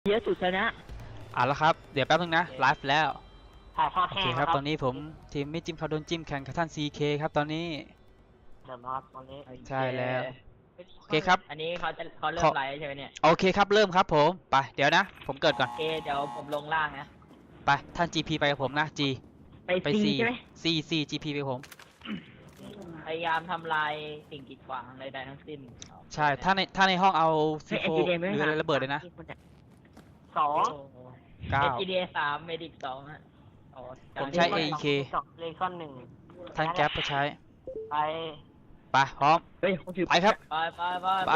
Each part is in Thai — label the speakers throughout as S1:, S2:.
S1: เยอะสุดชนะ
S2: แล้วครับเดี๋ยวแป๊บนึงนะไลฟ์แล้ว
S1: ถ่ายทอด
S2: โอ
S1: แห้ง
S2: เคครับตอนนี้ผมทีมไม่จิ้มเขาโดนจิ้มแข่งกับท่าน CK ครับตอนนี้
S1: เริ่มแล้วครับตอนนี้
S2: ใช่แล้วโอเคครับ
S3: อันนี้เขาเริ่มไลฟ์ใช่ไหมเนี่ย
S2: โอเคครับเริ่มครับผมไปเดี๋ยวนะผมเกิดก่อน
S3: โอเคเดี๋ยวผมลงล่างนะ
S2: ไปท่าน GP ไปกับผมนะ G
S1: ไป C ใช่ไหม
S2: C GP ไปผม
S3: พยายามทำลายสิ่งกีดขวางใดๆทั้งสิ้น
S2: ใช่ถ้าในห้องเอา C4 หรืออะไรระเบิดเลยนะ
S1: สอง
S2: 9
S3: HGDA 3 Medic 2ฮะ
S2: ผมใช้ AEK
S1: เลคอนหนึ่ง
S2: ท่านแก๊ปก็ใช้
S1: ไป
S2: พร้อมไปครับ
S3: ไป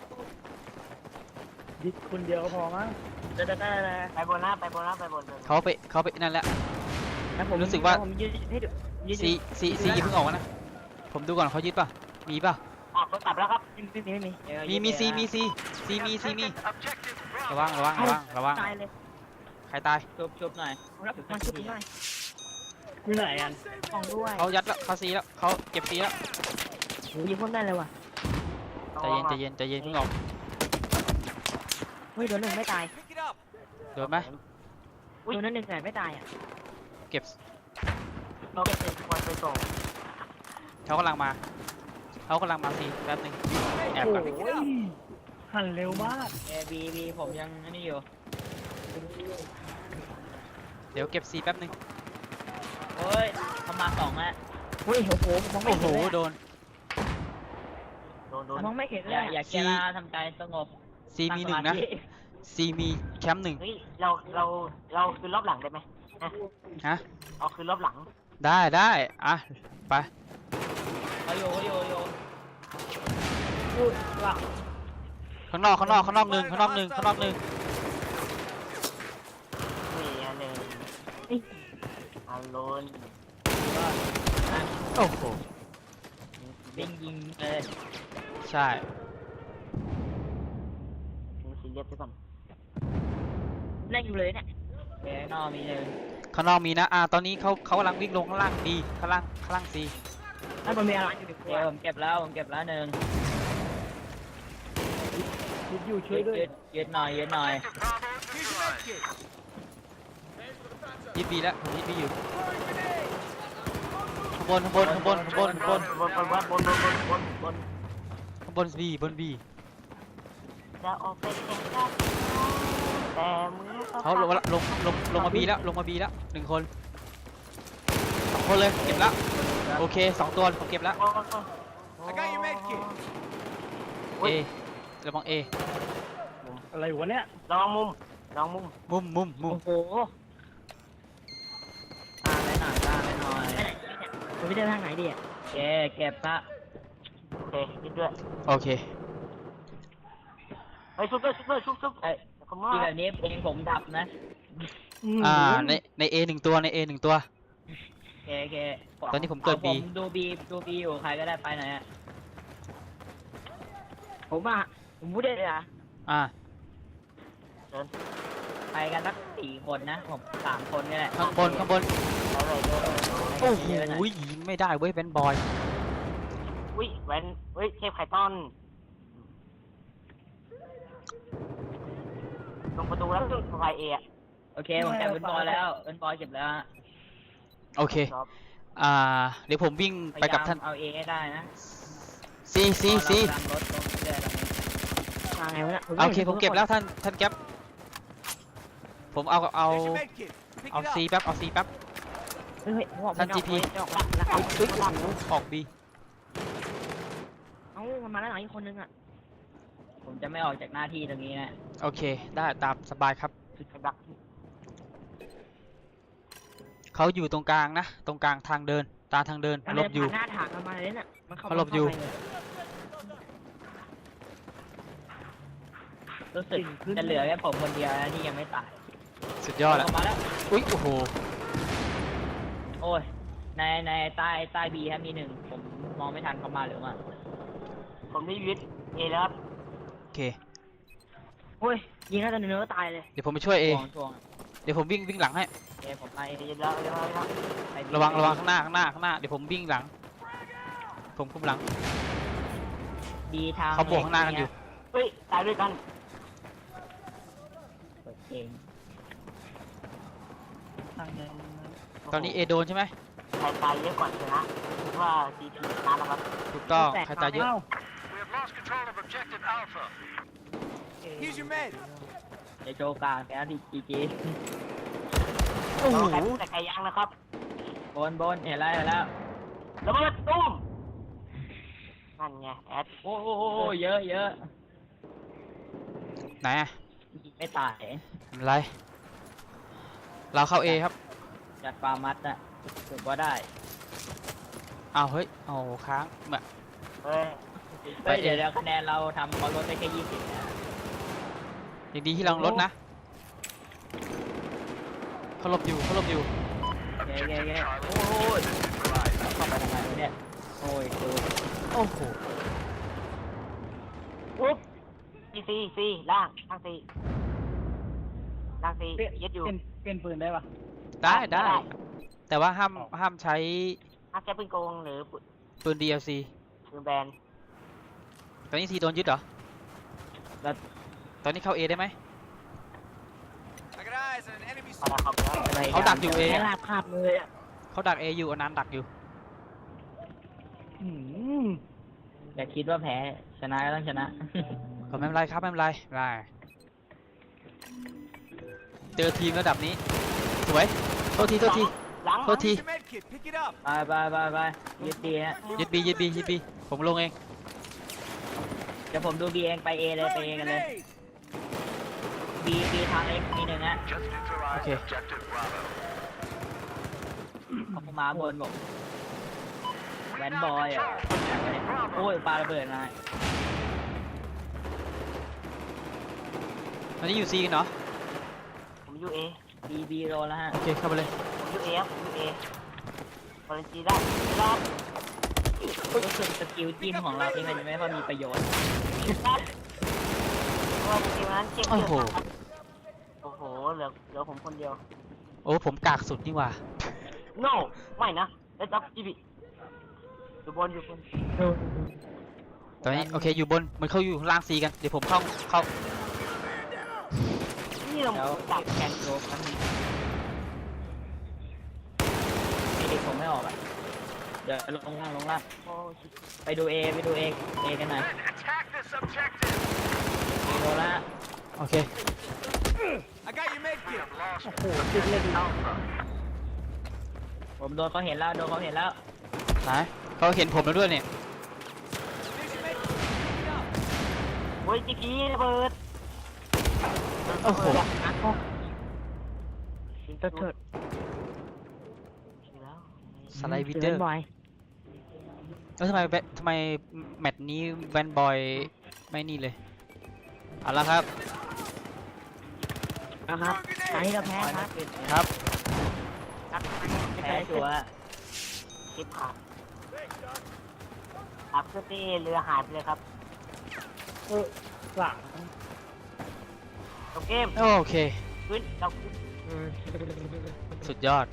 S1: ดิคนเดียวพอมั้งไปบนนะไปบน
S2: เขาไปนั่นแหละรู้สึกว่า C เพิ่งออกนะผมดูก่อนเขายึดป่ะมีป่ะ
S1: เขากลับแล้วครับ
S2: มี C มีระวัง
S1: ตายเลย
S2: ใครตาย
S3: ชุบหน่อย
S1: มาชุบหน่อยอยู่ไหนอันของด้วย
S2: เขายัดแล้วเขา C แล้วเขาเก็บ C แล้ว
S1: ยิงพ่นได้เลยว่ะ
S2: ใจเย็นเพิ่งออก
S1: เฮ้ยโดนหนึ่งไม่ตาย
S2: โดนไหม
S1: โดนนั่นหนึ่งแต่ไม่ตายอ่ะ
S2: เก็บ
S1: เราเก็บคนไปส่ง
S2: เขากำลังมาซีแป๊บนึงแอบก่อน
S1: หันเร็วมาก
S3: บีผมยังนี่อยู่
S2: เดี๋ยวเก็บซีแป๊บนึง
S3: โอ้ยทำมา2แล้ว
S1: เฮ้ยโอ้โหมองไม่เห็น
S2: โดน
S1: มองไม่เห็นเลย
S3: อย่าเกล้าทำใจสงบ
S2: ซีมี1นะซีมีแคมป์1
S1: เฮ้ยเราคืนรอบหลังได้ไหม
S2: ฮะ
S1: เอาคืนรอบหลัง
S2: ได้อ่ะไป
S3: โย
S2: ข้างนอกหนึ่ง
S1: นี่อันหนึ่งอันโลน
S2: โอ้โห
S3: ยิง
S2: ใช่
S1: ซีเรียสไปก่อนเล่นอยู่เลยเนี่ย
S3: นอกมีเลย
S2: ข้างนอกมีนะตอนนี้เขากำลังวิ่งลงข้างล่างดีข้างล่างซี
S1: ถ้ามันมีอะไรอยู่ในครัว
S3: ผมเก็บแล้ว1
S1: อยู่ช่วยด้วย
S3: ยืดหน่อย
S2: ยึดบีแล้วผมยึดบีอยู่ข้างบนบี
S1: จะออกไปแข่งขันแต่มือ
S2: เขาลงมาบีแล้ว1 คน2 คนเลยเก็บแล้วโอเค2 ตัวผมเก็บแล้วA ระวัง A
S1: อะไรวะเนี่ยลองมุม
S2: โอ้
S1: โห
S3: ไปหน่อย
S1: ผมไม่ได้ทางไหนดีอ่ะ
S3: เก็บซะ
S1: โอเคคิดด้วย
S2: โอเค
S1: ไอ้ซุปที่
S3: แบบนี้เพลงผมดับนะ
S2: ใน A 1 ตัวใน A 1 ตัว
S3: โอเค
S2: ตอนนี้ผมเกิด B
S3: ดู B อยู่ใครก็ได้ไปไหนอ่ะ
S1: ผมพูดได้เลย
S3: ไปกันสัก4 คนนะผม3 คนนี่แหละ
S2: ข้างบนโอ้โหยิงไม่ได้เว้ยแวนบอย
S1: เทพไข่ต้อนลงประตูแล้วไฟเอ
S3: โอเคผมเก็บเป็นบอยแล้วเป็นบอยเก็บแล้ว
S2: โอเคเดี๋ยวผมวิ่งไปกับท่าน
S3: เอาเอให้ได้นะ
S2: ซี โอเคผมเก็บแล้วท่านแก๊ปผมเอาซีแป๊บท่าน GP ออก B
S1: มันมาแล้วหลังอีกคนนึง
S3: ผมจะไม่ออกจากหน้าที่ตรงนี้นะ
S2: โอเคได้ตามสบายครับเขาอยู่ตรงกลางนะตรงกลางทางเดินหลบอยู่
S1: หน้าถางมาเลยน่ะ
S2: เขาหลบอยู่
S3: รู้สึกจะเหลือแค่ผมคนเดียวที่ยังไม่ตาย
S2: สุดยอดแล้ว
S3: มาแล้ว
S2: โอ้โห
S3: โอ้ยในใต้บีครับมี1ผมมองไม่ทันเขามาหรือมา
S1: ผมได้ยึดเอแล้วครับ
S2: โอเค
S1: โอ้ยยิงแล้วตอนนี้ก็ตายเลย
S2: เดี๋ยวผมไปช่วยเอเดี๋ยวผมวิ่งหลังให้
S3: ผมไป
S1: แล้ว
S2: ระวังข้างหน้าเดี๋ยวผมวิ่งหลังผมคุมหลัง
S3: ดีทาง
S2: เขาบวกข้างหน้ากันอยู่
S1: ตายด้วยกัน
S3: เอง
S2: ตอนนี้เอโดนใช่ไหม
S1: ใครตายเยอะกว่าชนะคิดว่าซีทีชนะแล้วครับ
S2: ถูกต้องใครตายเยอะ
S4: Here's your med.
S3: เดี๋ยวโจกลางแกดีจี
S2: โอ้โห
S1: แต่ไกลยังนะครับ
S3: บนเห็นแล้ว
S1: ระเบิดตุ้มนั่นไงแอด
S3: โอ้เยอะ
S2: ไหนอะ
S3: ไม่ตาย
S2: ไม่เป็นไรเราเข้า A ครับ
S3: จัดฟาร์มัดอะถือว่าได้
S2: อ้าวเฮ้ยโอ้โหค้างมา
S1: เฮ้ย
S2: ไป
S3: เดี๋ยวคะแนนเราทำเขาลดไปแค่20นะ
S2: อย่างดีที่เราลดนะเขาหลบอยู่
S3: เย้โอ้ยเข้าไปทำไมวะเนี่ยโอ้ยดู
S2: โอ้โห
S1: อุ๊บซีล่างซียึดอยู่
S3: เปลี่ยนปืนได้ปะ
S2: ได้ แต่ว่าห้ามใช้
S1: ถ้าใช้ปืนโกงหรือ
S2: ปืน DLC
S1: ปืนแบน
S2: ตอนนี้ซีโดนยึดเหรอ
S3: แล้ว
S2: ตอนนี้เข้า A ได้ไหม
S4: I got eyes on an enemy
S1: เอาละครับ
S3: อะไร
S2: เขาดักอยู่เอง
S3: แค่ลาบคาบเลยอะ
S2: เขาดัก A อยู่เอาน้ำดักอยู่
S3: อย่าคิดว่าแพ้ชนะก็ต้องชนะ
S2: ก็ไม่เป็นไรครับไม่เป็นไรได้เจอทีมระดับนี้สวยโทษที
S1: หลัง
S2: โทษที
S4: Here's your med kit. Pick it up.
S3: ไปยึดดีฮะ
S2: ยึดบีผมลงเอง
S3: เดี๋ยวผมดูบีเองไปเอเลยไปเอ
S4: Throwing
S3: กันเลย
S4: grenade.
S3: บีทางเอ็กมีหนึ่งฮะ
S2: โอเค
S3: เขามาบนบอกแวนบอยอ่ะโอ้ยปาระเบิดมา
S2: ตอนนี้อยู่ C กันเหรอ
S1: ผมยูเอ
S3: บีโดนแล้วฮะ
S2: โอเคเข้าไปเลย
S1: ผมยูเอครับผมยูเอฟอร์เรนซีได้ครับ
S3: รู้สึกสกิลจิ้มของเราที่มันไม่ค่อยมีประโยชน์
S1: ครับเพราะว่าทีมนั้นเจ็บ
S2: โอ้
S1: เยอะ
S2: โห
S1: มากครับโอ้โหเหลือผมคนเดียว
S2: โอ้ผมกากสุดนี่หว่า
S1: no ไม่นะแล้วจับจีบีอยู่บน
S2: ตอนนี้โอเคอยู่บนมันเข้าอยู่ข้างล่าง C กันเดี๋ยวผมเข้า
S1: นี่เรา
S3: แล้ว
S1: จับ
S3: แคนโดมันเด็กผมไม่ออกอ่ะเดี๋ยวลงล่าง
S1: โอ้ชิบ
S3: ไปดูเอกันหน่อยโดนละ
S2: โอเค
S4: I got your med kit.
S3: ผมโดนเขาเห็นแล้ว
S2: ไหนเขาเห็นผมแล้วด้วยเนี่ย
S4: Here's your med kit. Pick it up.
S1: โอ้ยจีพีระเบิด
S2: โอ้โห
S1: เถิด
S2: สไลด์วิดเดอร์แล้วทำไมแมตช์นี้แวนบอยไม่นี่เลยเอาละครับ
S3: นะครับ
S1: ใช้เราแพ้ครับ
S2: ครับ
S3: แพ้ชัวร์
S1: ชิปขาดอัพเพื่อที่เรือหายไปเลยครับ
S3: หลัง
S1: จบเกม
S2: โอเค
S1: ขึ้นเรา
S2: สุดยอด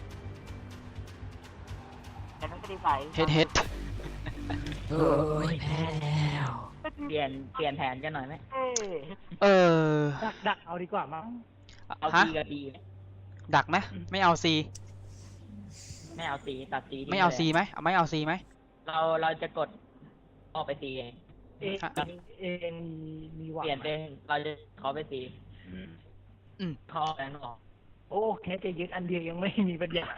S1: แต่นั้นก็ดีไป
S2: เฮ็ด
S3: โอ้ยแพ้แล้วเปลี่ยนแผนกันหน่อยไหม
S1: เอ้ย
S2: เออ
S3: ดักเอาดีกว่ามั้งเอา
S2: ฮะ
S3: ดีกับดี
S2: ดักไหมไม่เอา C
S3: ไม่เอาสีตัดสี
S2: ไม่เอา C ไหมไม่เอา C ไหม
S3: เราจะกดออกไปสีเอง
S2: อ่ะ
S3: เองมีหวังเปลี่ยนเป็นเราจะขอไปสี
S2: อืม
S3: ขอแบงค์ออก
S5: โอ้แค่จะยึดอันเดียวยังไม่มีปัญญา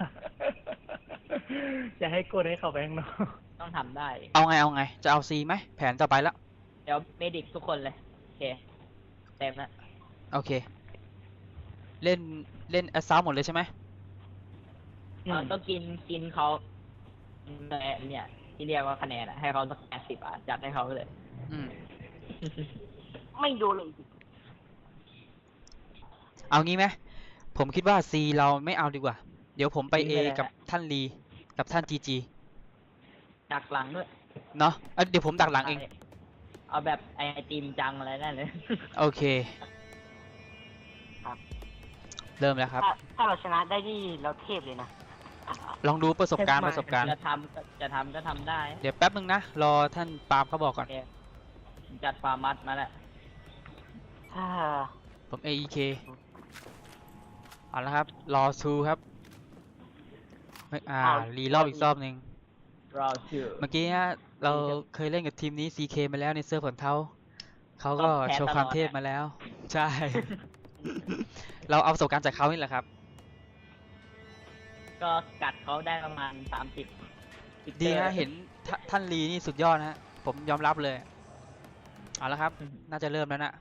S5: จะให้กดให้เขาแบงค์เนาะ
S3: ต้องทำได้
S2: เอาไงจะเอา C ไหมแผนต่อไปแล้ว
S3: เดี๋ยวเมดิกทุกคนเลย โอเค เต็มแล้ว
S2: โอเค เล่นแอสซาวหมดเลยใช่ไหม
S3: เราต้องกินเขาเนี่ย ที่เรียกว่าคะแนนอะให้เขาสัก80อ่ะจัดให้เขาไปเลย
S2: อืม
S1: ไม่ดูเลย
S2: เอางี้ไหมผมคิดว่า C เราไม่เอาดีกว่า เดี๋ยวผมไป A กับท่านลีกับท่าน GG
S3: ดักหลังด้วย
S2: เนาะเดี๋ยวผมดักหลังเอง
S3: เอาแบบไอติมจังอะไรนั่นเลย
S2: โอเค
S1: ครับ
S2: เริ่มแล้วครับ
S1: ถ้าเราชนะได้นี่เราเทพเลยนะ
S2: ลองดูประสบการณ์
S3: จะทำก็ทำได้
S2: เดี๋ยวแป๊บนึงนะ รอท่านปาล์มเขาบอกก่อน
S3: โอเคจัดฟาร์มัดมาแล้ว
S1: ถ้า
S2: ผม AEK เอาละครับรอซูครับไม่รีรอบอีกรอบหนึ่ง
S3: รอชื่อ
S2: เมื่อกี้ฮะเราเคยเล่นกับทีมนี้ CK มาแล้วในเซิร์ฟของเขาก็
S3: แพ้
S2: โชว์ความ
S3: ตลอด
S2: เทพมาแล้ว ใช่ เราเอาประสบการณ์จากเขานี่แหละครับ
S3: ก็กัดเขาได้ประมาณ30
S2: ดีฮะเห็นท่านลีนี่สุดยอดนะฮะผมยอมรับเลยเอาละครับ น่าจะเริ่มแล้วนะ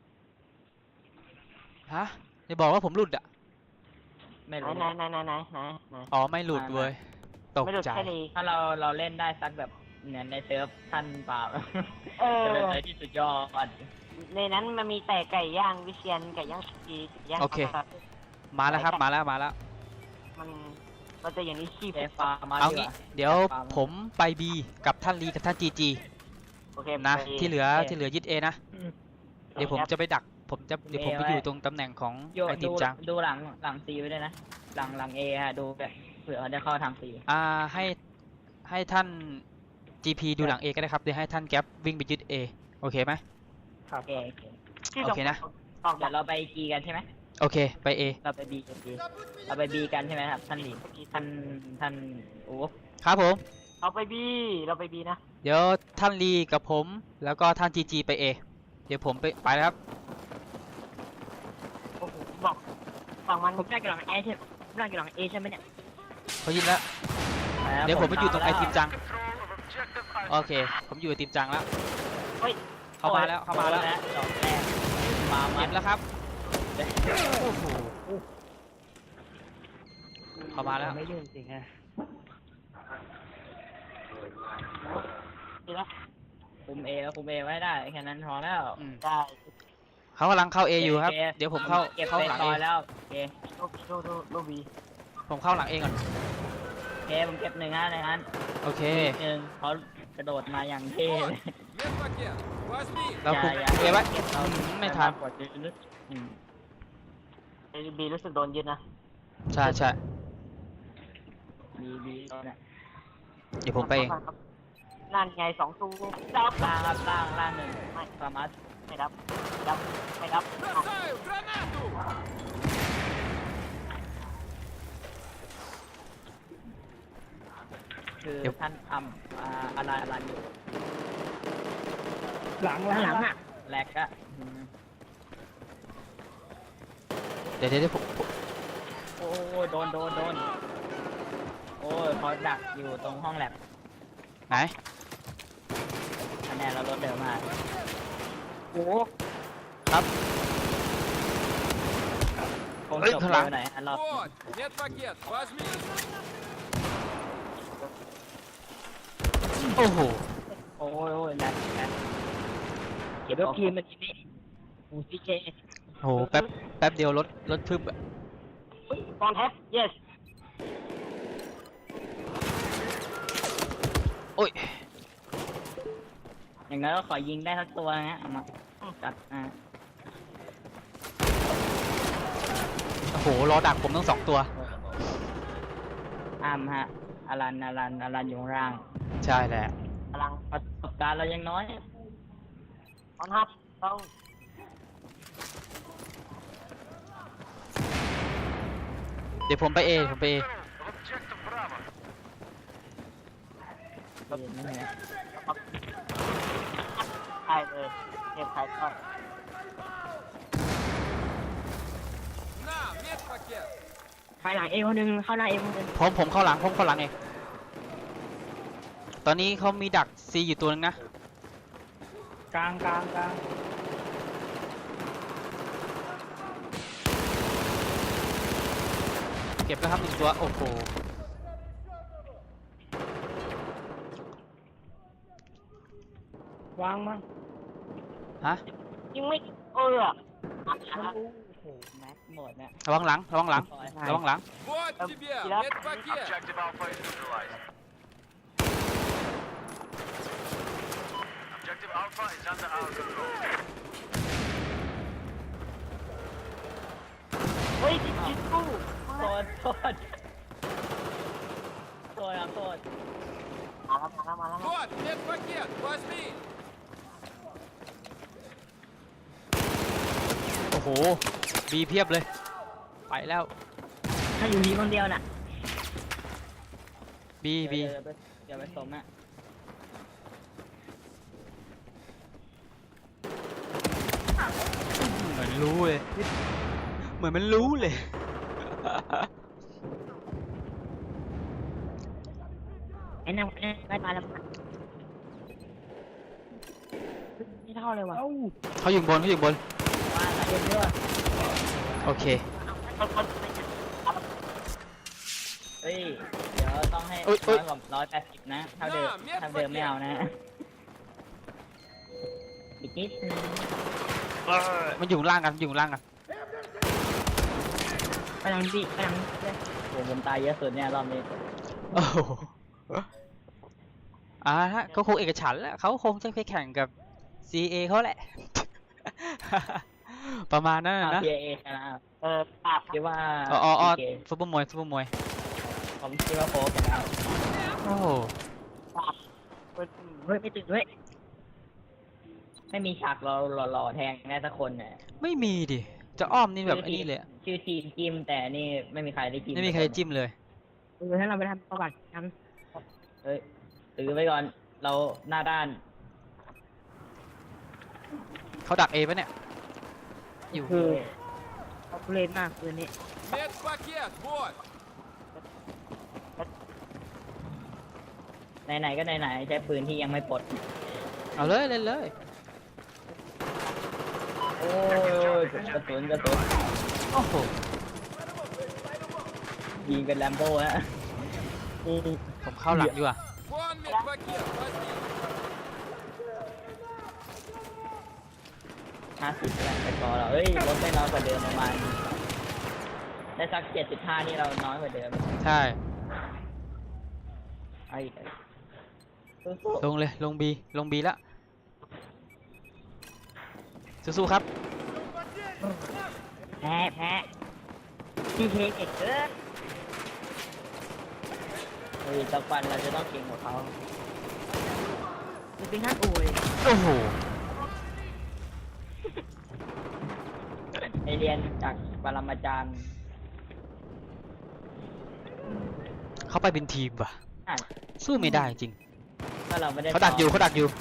S2: ฮะจะบอกว่าผมหลุดอ่ะ
S3: ไม่
S1: ไหน
S3: รู้
S1: ไหนไหนไหนไหนไหนไหน
S2: อ๋อไม่หลุดเว้ยตก
S1: ไม่หลุด
S2: ใจ
S1: แค่ดี
S3: ถ้าเราเล่นได้สักแบบเนี่ยในเซิร์ฟท่านเปล่า
S1: เออ
S3: จะเป็นอะไรที่สุดยอด
S1: ในนั้นมันมีแต่ไก่ย่างวิเชียนไก่ย่างจีไก่ย่าง
S2: โอเค
S1: ครับ
S2: มาแล้วครับมาแล้ว
S1: มันจะอย่างนี้ขี้
S3: เอฟามา
S2: เอา
S3: ดีก
S2: งี้
S3: ว่า
S2: เดี๋ยวผมไปบีกับท่านลีกับท่านจีจี
S1: โอเค
S2: นะ
S1: ไป
S2: ที่เหลือยึดเอนะเดี๋ยวผมจะไปดักเดี๋ยวผมไปอยู่ตรงตำแหน่งของ
S3: โย
S2: ไอที
S3: ดู
S2: มจัง
S3: ดูหลังซีไว้ด้วยนะ หลังเอฮะดูแบบเผื่อเขาจะเข้าทางซี
S2: ให้ท่าน GP ดูหลัง A ก็ได้ครับเดี๋ยวให้ท่านแก๊ปวิ่งไปยึด A โอเคไหม
S5: ครับ
S3: โอเค
S1: ที่
S2: โอเคนะ
S1: ออก
S3: เดี๋
S1: จาย ก
S3: วเราไปจีกันใช่ไหม
S2: โอเคไป A
S3: เราไปบีกันดีเราไปบีกันใช่ไหมครับท่านหลีท่านโอ้
S2: ครับผม
S1: เราไปบีนะ
S2: เดี๋ยวท่านลีกับผมแล้วก็ท่าน GG ไป A เดี๋ยวผมไปแล้วครับ
S1: โอ้โหบอกฝั่งมัน
S3: ผมได้กี่หลังเอใช่ได้กี่หลังเอใช่ไหมเนี่ย
S2: เขายินแล้วเดี๋ยวผมไปอยู่ตรงไอทีมจังโอเค ผมอยู่ไอทีมจังแล้ว
S1: เฮ้ย
S2: เข้ามาแล้ว
S3: ดอกแรกมา
S2: เก็บแล้วครับโอ้โหเข้ามาแล้ว
S5: ไม่ยุ่งจริงฮะ
S1: ดีแล้ว
S3: คุมเอแล้วคุมเอไว้ได้แค่นั้นพอแล้ว
S2: อืม
S1: ได้
S2: เขากำลังเข้า A อยู่ครับ
S3: โอเค
S2: เดี๋ยวผมเข้า
S3: เก็บ
S2: ห
S3: ไป
S2: ลัง
S3: ต่
S2: A
S3: อยแล้วโอเค
S1: ดูบี
S2: ผมเข้าหลัง A ก่อน
S3: โอเคผมเก็บหนึ่งในนั้น
S2: โอเค
S3: หนึ่งเขากระโดดมาอย่างเท่เลย
S4: Медпакет. Возьми.
S2: เราคุม
S3: อย่า
S2: A ไว้
S3: เรา
S2: ไม่ทัน
S3: กดลึกอืม
S1: บีรู้สึกโดนยึดนะ
S2: ใช่ใช่
S3: บีเนี่ย
S2: เดี๋ยวผมไปเอง
S1: นั่นไง2 ตู้ดับ
S3: ล่างครับล่างหนึ่ง
S1: ไม่
S3: สามารถ
S1: ไม่ดับไม่ดับ
S4: Бросаю гранату.
S3: คือ
S2: เดี๋ยว
S3: ท่านทำอะไรอยู่
S5: หลัง
S3: หลังอะแหลกอะอืม
S2: เดี๋ยวผม
S3: โอ้ยโดนโอ้ยเขาดักอยู่ตรงห้องแลบ
S2: ไหน
S3: คะแนนเราลดเร็วมาก
S1: โอ้
S2: ครับ
S3: คง
S2: เฮ้ย
S3: จบ
S2: ข้างหลั
S3: เร็
S2: ง
S3: วหน่อยอันรอบ
S4: Вот. Медпакет. Возьми.
S2: โอ้โห
S3: โอ้ยแลกเก็บทีมมันทีนี้อูซีเจ
S2: โอ้โหแป๊บเดียวรถทึบอะ
S1: ตอนแฮป yes
S2: โอ้ย
S3: อย่างนั้นก็ขอยิงได้ทั้งตัวนะเอามาจัด
S2: โอ้โหรอดักผมทั้ง2 ตัว
S3: อ้ามฮะอลันอยู่ข้างล่าง
S2: ใช่แหละ
S1: กำลัง
S3: ประสบการณ์เรายังน้อย
S1: ตอนฮับต้อง
S2: เดี๋ยวผมไป A
S1: ใช่เลยเก็บไข่ก่อน
S4: На, медпакет.
S3: ภายหลังเอคนหนึ่งเข้าหน้าเอคนหนึ่ง
S2: ผมเข้าหลังเองตอนนี้เขามีดัก C อยู่ตัวนึงนะ
S5: กลาง
S2: เก็บแล้วครับ1 ตัวโอ้โห
S5: วางมั้ง
S2: ฮะ
S1: ยังไม่
S5: โ
S1: เออ
S5: อ้โห
S3: แม็กหมดเนี่ย
S2: ระวังหลัง
S3: ซอย
S4: Вот тебе
S1: Yep.
S4: медпакет.
S1: Ой, иди в
S3: โทษโทษครับโทษ
S1: มาแล้ว
S4: Вот медпакет. Возьми.
S2: โอ้โห B เพียบเลยไปแล้ว
S3: ถ้าอยู่ที่คนเดียวน่ะ
S2: บีบี
S3: เดี๋ยวไปสมอ่ะ
S2: เหมือนรู้เลยเหมือนมันรู้เลย
S1: ไอ้นั่งได้มาแล้วไม่เท่าเลยว่ะ
S5: เอ้า
S2: เขาอยู่บนเขาอยู่บน
S3: ว่าเรียนด้วย
S2: โอเค
S3: เฮ้ยเดี๋ยวต้องให้
S2: อุ๊ย
S3: น้อยกว่า180นะเท่าเดิมไม่เอานะอีกนิดนึง
S2: มันอยู่ข้างล่างกันอยู่ข้างล่างกัน
S1: ไปยังดิไปยัง
S3: โอ้ผมตายเยอะสุดเนี่ยรอบนี้
S2: โอ้โหฮะก็คงเอกฉันท์แหละเขาคงจะไปแข่งกับ CA เขาแหละ ประมาณนั้นนะ
S3: PA ชนะ
S1: ปาก
S3: คิดว่า
S2: อ๋อ
S3: PK
S2: ซุปเปอร์มวยซุปเปอร์มวย
S3: ผมคิดว่าโฟกชนะ
S2: โอ้โห
S1: ปากเฮ้ยไม่ตื่นด้วย
S3: ไม่มีฉากเราหล่อๆแทงแน่สักคนเนี่ย
S2: ไม่มีดิจะอ้อมนี่แบบไอ้นี่เลยอะ
S3: ชื่อทีมจิ้มแต่นี่ไม่มีใครได้จิ้ม
S2: ไม่มีใครจิ้มเลย
S1: ถ้าเราไปทำประวัติท
S3: เฮ้ยตื้อไว้ก่อนเราหน้าด้าน
S2: เขาดักเอปะเนี่ยอยู่
S1: ำคือเขาเล่นมากคืนนี้
S4: Медпакет, вот!
S3: ไหนๆก็ไหนๆใช้ปืนที่ยังไม่ปลด
S2: เอาเลยเล่นเลย
S3: โอ้ยกระสุน
S2: โอ้โห
S3: ยิงเป็นแลมโบ้ฮะ
S2: ผมเข้าหลังดีกว่า
S4: Вон медпакет, возьми!
S3: 50แล้วไปต่อเราเอ้ยลดได้น้อยกว่าเดิมประมาณได้สัก75นี่เราน้อยกว่าเดิม
S2: ใช่
S3: เอาอีกสู้
S2: ลงเลยลงบีละสู้ๆครับ
S1: แพ้พี่เคเก่งเกิน
S3: ๆเฮ้ยสักวันเราจะต้องเก่งกว่าเขา
S1: จะเป็นท่านโอย
S2: โอ้โห
S3: ไอเรียนจากปรมาจารย์
S2: เขาไปเป็นทีมว่ะ
S3: อ่ะ
S2: สู้ไม่ได้จริง
S3: ถ้าเราไม่ได้
S2: เขาดักอยู่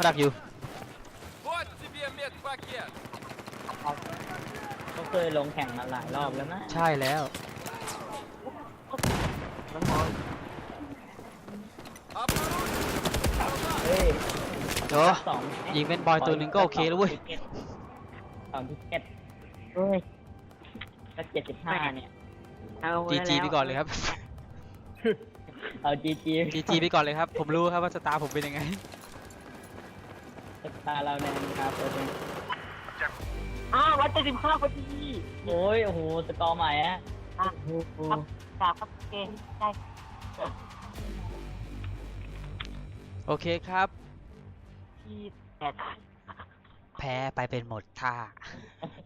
S4: Вот тебе медпакет!
S3: เขาเคยลงแข่งมาหลายรอบแล้วนะ
S2: ใช่แล้ว
S4: Обнаружен!
S3: เฮ้ย
S2: เดี๋ยว
S3: สอง
S2: ยิงเป็นบอยตัวหนึ่งก็โอเคแล้วเว้ย
S3: 2 ทิเก็ต
S1: เฮ้ย
S3: ก็75เนี่ย
S1: เอา
S2: GG ไปก่อนเลยครับ
S3: เอา GG
S2: GG ไปก่อนเลยครับ ผมรู้ครับว่าสตาร์ผมเป็นยังไง
S3: ตาเราในอนาคตเนี่ย
S1: 175พอดี
S3: โอ้ย โอ้โห สกอร์ใหม่ฮะ
S1: ครับเก่งได้
S2: โอเคครับ
S1: ที่แต่
S2: แพ้ไปเป็นหมดท่า